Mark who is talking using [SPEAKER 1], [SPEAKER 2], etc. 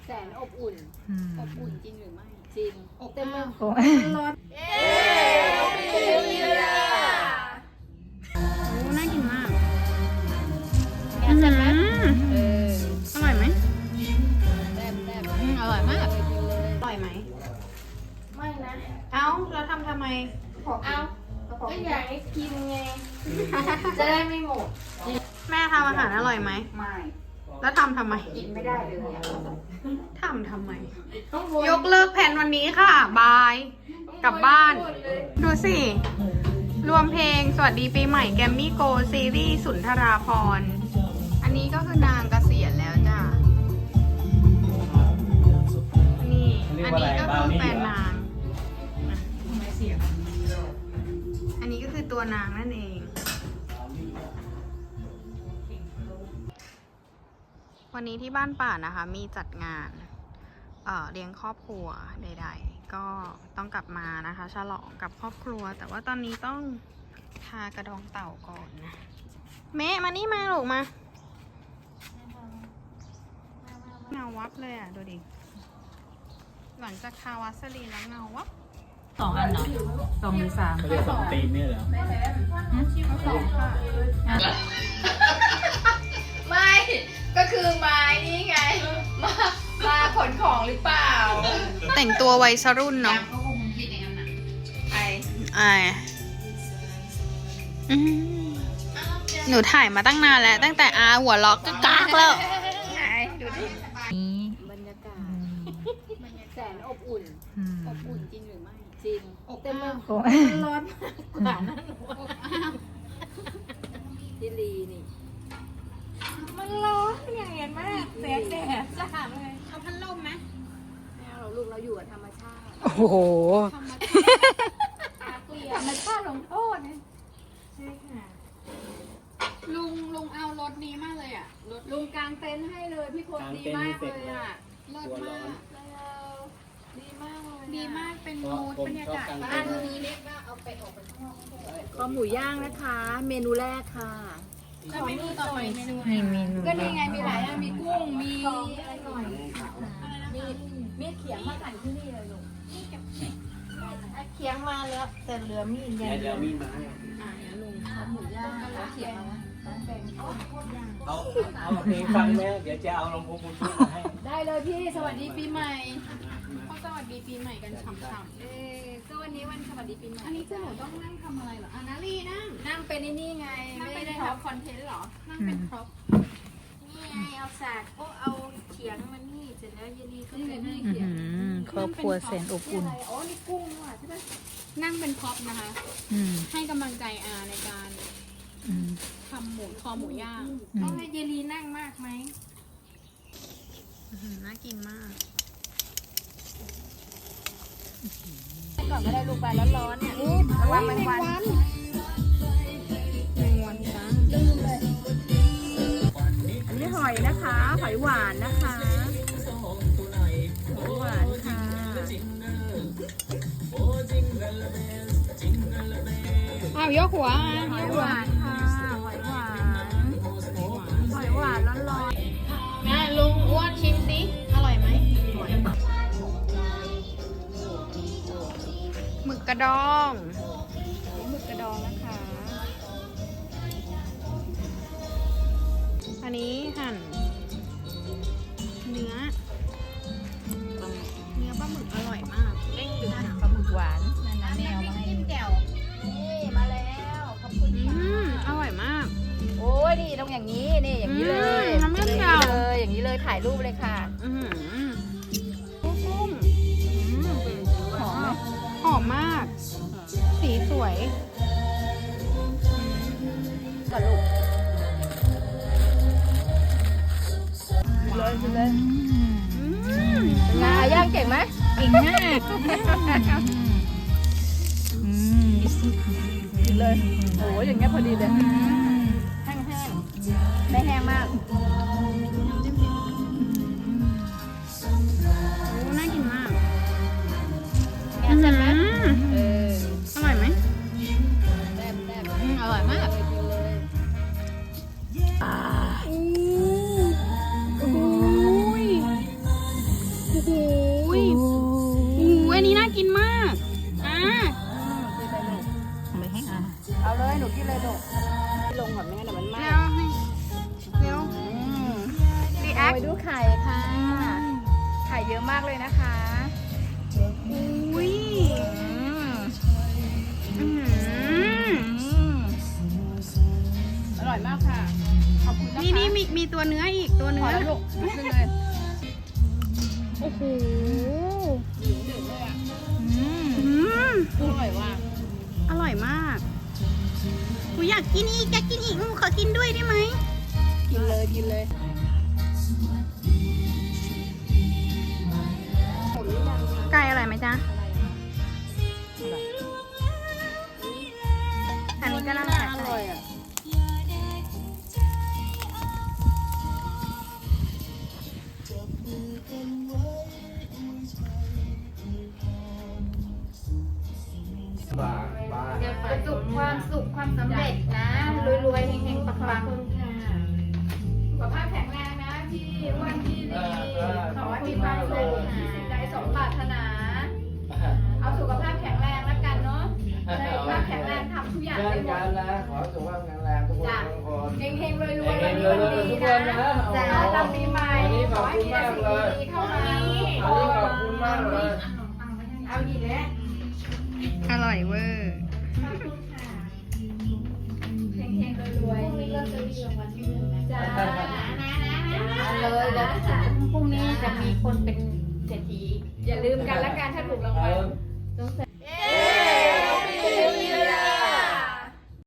[SPEAKER 1] แสนอบอุ่นอบอุ่นจริงหรือไม่จริงอบเต็มเลย
[SPEAKER 2] โอ้
[SPEAKER 1] ร้อน
[SPEAKER 2] โหน่ากินมาก
[SPEAKER 1] แกะเสร็จไหม
[SPEAKER 2] อร่อยไหม
[SPEAKER 1] แซ่บแซ่บ
[SPEAKER 2] อร่อยมาก
[SPEAKER 1] กินเลย
[SPEAKER 2] อร่อยไหม
[SPEAKER 1] ไม่นะ
[SPEAKER 2] เอ้าแล้วทำไม
[SPEAKER 1] เอาก็อยากให้กินไง จะได้ไม่หมด
[SPEAKER 2] แม่ทำอาหารอร่อยไหม
[SPEAKER 1] ไม่
[SPEAKER 2] แล้วทำไม
[SPEAKER 1] กินไม่ได้เลยอะ
[SPEAKER 2] ทำไม
[SPEAKER 1] ต้องวน
[SPEAKER 2] ยกเลิกแผนวันนี้ค่ะ บาย กลับบ้าน ดูสิ รวมเพลงสวัสดีปีใหม่แกมมี่โกซีรีส์สุนทราภรณ์ อันนี้ก็คือนางเกษียณแล้วจ้ะ นี่ อันนี้ก็คือแฟนนาง อันนี้ก็คือตัวนางนั่นเอง วันนี้ที่บ้านป่านะคะ มีจัดงานเลี้ยงครอบครัวใดๆ ก็ต้องกลับมานะคะ ฉลองกับครอบครัว แต่ว่าตอนนี้ต้องทากระดองเต่าก่อนนะเมะมานี่มาลูกมาเงาวับเลยอ่ะ ดูดิ หลังจากทาวัสลีนแล้วเงาวับ
[SPEAKER 3] 2 อันเนาะ2 หรือ 3
[SPEAKER 4] เขาเรียก2 ตีนเนี่ยเหรอ
[SPEAKER 1] ไม่ ก็คือไม้นี่ไง มาขนของหรือเปล่า
[SPEAKER 2] แต่งตัววัยรุ่นเนาะ
[SPEAKER 1] เขาคงคิดอย่างนั้นนะไอ
[SPEAKER 2] อืมหนูถ่ายมาตั้งนานแล้ว ตั้งแต่อาหัวล็อกก็กากแล้ว
[SPEAKER 1] ดูดิ
[SPEAKER 3] นี้
[SPEAKER 1] บรรยากาศแสนอบอุ่น อบอุ่นจริงหรือไม่จริงอบเต็มเลย
[SPEAKER 2] โอ้
[SPEAKER 1] ร้อนมากกว่านั้นหนูจิลีนี่
[SPEAKER 3] มันร้อนอย่างเงี้ยมากแสงแดดจ้าเลย
[SPEAKER 2] เอาพัดลมไหม
[SPEAKER 1] แม่เราลูกเราอยู่กับธรรมชาติ
[SPEAKER 2] โอ้โห
[SPEAKER 1] ธรรมชาติลงโทษนะ
[SPEAKER 3] ใช่ค่ะ
[SPEAKER 2] ลุงเอารถนี้มากเลยอ่ะ รถ
[SPEAKER 1] ลุงกางเต็นท์ให้เลยพี่คนดีมากเลยอ่ะ
[SPEAKER 2] เลิศ
[SPEAKER 4] ตัวร้
[SPEAKER 2] มา
[SPEAKER 4] อน
[SPEAKER 2] ก
[SPEAKER 1] ดีมากเลย
[SPEAKER 2] ดีมากเป็น
[SPEAKER 4] เพ
[SPEAKER 2] มู
[SPEAKER 4] ราะ
[SPEAKER 2] ด
[SPEAKER 4] ผม
[SPEAKER 2] บรรยา
[SPEAKER 4] ชอบ
[SPEAKER 2] กาศ
[SPEAKER 4] กาง
[SPEAKER 1] อั
[SPEAKER 4] เต็
[SPEAKER 1] น
[SPEAKER 4] นท์
[SPEAKER 1] นี้เล็กว่าเอาไปออกไปข้างนอกก็ได้
[SPEAKER 5] คอหมูย่างนะคะ เมนูแรกค่ะ
[SPEAKER 2] แล้วเมนูต่อไปเมนูอะไร
[SPEAKER 3] มีเมนู
[SPEAKER 1] ก็นี่ไงมีหลายอย่างมีกุ้งมี
[SPEAKER 5] อะไรหน่อยมีเขียงมาสั่งที่นี่เลยลูกเขียงมาแล้วแต่เหลือมีดอย่าง
[SPEAKER 4] เดี๋
[SPEAKER 5] เดี
[SPEAKER 4] ย
[SPEAKER 5] ยว ว
[SPEAKER 4] มีดมาให้
[SPEAKER 5] ลุงคอหมูย่างแล้วเขียงมา
[SPEAKER 4] เอาเพลงฟังไหมเดี๋ยวจะเอาลำโพงบลูทูธมาให้
[SPEAKER 1] ได้เลยพี่สวัสดีปีใหม่
[SPEAKER 2] เขาสวัสดีปีใหม่กันฉ่ำ
[SPEAKER 1] ก็วันนี้วันสวัสดีปีใหม่
[SPEAKER 2] ๆอันนี้คือหนูต้องนั่งทำอะไรเหรออ่ะนาลีนั่ง
[SPEAKER 1] นั่งเป็นนี่ไง
[SPEAKER 2] นั่ง
[SPEAKER 1] ไม่
[SPEAKER 2] เป็น
[SPEAKER 1] ได้
[SPEAKER 2] พร็อ
[SPEAKER 1] ท
[SPEAKER 2] พคอนเทนต์เหรอ นั่งเป็นพร็อพ
[SPEAKER 1] นี่ไงเอาสากก็เอาเขียงมานี่เสร็จแล้วเยลีก็เป็นนี่
[SPEAKER 3] อื้อหือครอบครัวแสนอบ
[SPEAKER 1] นี่
[SPEAKER 3] อุ่น
[SPEAKER 1] อะไรอ๋อนี่กุ้งนี่หว่าใช่ไหม
[SPEAKER 2] นั่งเป็นพร็อพนะคะ
[SPEAKER 3] อืม
[SPEAKER 2] ให้กำลังใจอาในการ
[SPEAKER 3] อืม
[SPEAKER 2] ทำคอหมูย่าง
[SPEAKER 1] ต้องให้เยลีนั่งมากไหม
[SPEAKER 2] น่ากินมาก
[SPEAKER 1] ก่อนก็ได้ลูกไปแล้วร้อนเนี่ยระวังแมงวัน
[SPEAKER 5] อันนี้หอยนะคะ หอยหวานนะคะ หอยหวานค่ะ
[SPEAKER 2] อ้าวยกหัว
[SPEAKER 5] หอยหวานค่ะ หอยหวาน หอยหวานร้อน
[SPEAKER 2] นะลุงอ้วนชิมสิอร่อยไหมหมึกกระดองหมึกกระดองนะคะ อันนี้หั่น เนื้อปลาหมึกอร่อยมากเด้งดึง
[SPEAKER 3] ปลาหมึกหวานนั่นนะแนวมาให้
[SPEAKER 1] จิ้มแจ่วนี่มาแล้วขอบคุณค่ะ
[SPEAKER 2] อร่อยมาก
[SPEAKER 5] โอ้ยนี่ต้องอย่างนี้นี่อย่างนี้เลย
[SPEAKER 2] น้ำมัน
[SPEAKER 5] อย่าง
[SPEAKER 2] เก่า
[SPEAKER 5] นี้เลยอย่างนี้เลยถ่ายรูปเลยค่ะ
[SPEAKER 2] กุ้ง
[SPEAKER 5] หอมไหม
[SPEAKER 2] หอมมาก สีสวย
[SPEAKER 5] ก่อนลูกเลยกินเลยเป็นไงย่างเก่งไหม
[SPEAKER 3] เก่งมากอืม
[SPEAKER 5] กินเลยโอ้ยอย่างเงี้ยพอดีเลยแห้งๆไม่แห้งมาก
[SPEAKER 2] น่ากินมาก
[SPEAKER 5] แกะเสร็จไหม
[SPEAKER 2] อร่อยไหม
[SPEAKER 1] แซ่บแซ่บ
[SPEAKER 2] อร่อยมาก
[SPEAKER 1] กินเลย
[SPEAKER 5] โอ้ย
[SPEAKER 1] มากเลยนะคะ
[SPEAKER 2] อุ้ยอื้อหือ
[SPEAKER 1] อร่อยมากค่ะ ขอบคุณนะคะ
[SPEAKER 2] นี่มีตัวเนื้ออีกตัว
[SPEAKER 1] พ
[SPEAKER 2] เนื้
[SPEAKER 1] อ
[SPEAKER 2] อ
[SPEAKER 1] แล้วลูกนิดนึงเลย
[SPEAKER 2] โอ้โห
[SPEAKER 1] หนึ่งเลยอ่ะ
[SPEAKER 2] อืม
[SPEAKER 1] อร่อยว่ะ
[SPEAKER 2] อร่อยมากกูอยากกินอีกหนูขอกินด้วยได้ไหม
[SPEAKER 1] กินเลยกินเลย
[SPEAKER 2] ไก่อร่อยไหมจ๊ะอันนี้ก็น่าจะ
[SPEAKER 1] อร่อยอ่ะ
[SPEAKER 5] ประสบความสุขความสำเร็จนะรวยๆเฮงๆปังๆสุขภาพแข็งแรงนะพี่อ้วันพี่ดีขอให้มีความสุขสิ่งใดสมปรารถนา เอาสุขภาพแข็งแรงแล้วกันเนาะสุขภาพแข็งแรงทำทุกอย่างได้หมด
[SPEAKER 6] ขอสุขภาพแข็งแรงทุกคน
[SPEAKER 5] จ้ะ
[SPEAKER 6] ทุกคน
[SPEAKER 5] เฮงๆรวยๆวันนี้วันดีนะจ้าทำปีใหม่ขอให้มีแต่สิ่งดีๆเข้ามา
[SPEAKER 6] อันนี้ขอบคุณมากเลย
[SPEAKER 5] เอาอีกแล้ว
[SPEAKER 2] อร่อยเวอร์
[SPEAKER 5] เฮงๆรวยๆมีเรื่องจะดีรางวัลที่1จ้าเลยแล้วพรุ่งนี้จะมีคนเป็นเศรษฐีอย่าลืมกันละกันถ้าถูกรางวัลต้องใส่